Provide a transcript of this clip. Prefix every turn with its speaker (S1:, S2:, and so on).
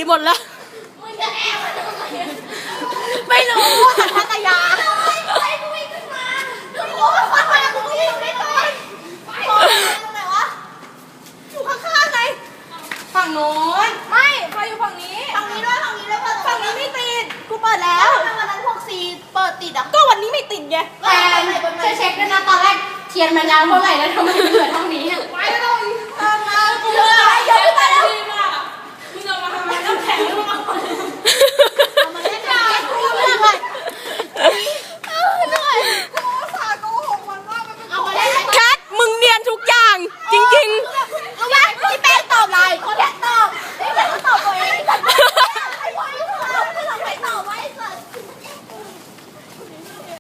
S1: หมดแล้ว
S2: มึงจะแอบมาทำไม
S1: ไม่รู้สัญชาตญาณ
S2: ไปกูวิ่งขึ้นมาดูโอ้ยฟังมากูวิ่งไม่ทันไปตรงไหนวะอยู่ข้างๆไง
S1: ฝั่งโน้นไม่ไฟอยู่ฝั่งนี้
S2: ฝั่งนี้ด้วยฝั่งนี้ด้วย
S1: ฝั่งนี้ไม่ติดกูเปิดแล้ว
S2: ทำไมวันนั้นพวกซีเปิดติดอ่ะ
S1: ก็วันนี้ไม่ติดไง
S2: แต่
S1: เช็คด้วยนะตอนแรกเทียนมันยาวเท่าไหร่แล้วทำไมเหลือเท่า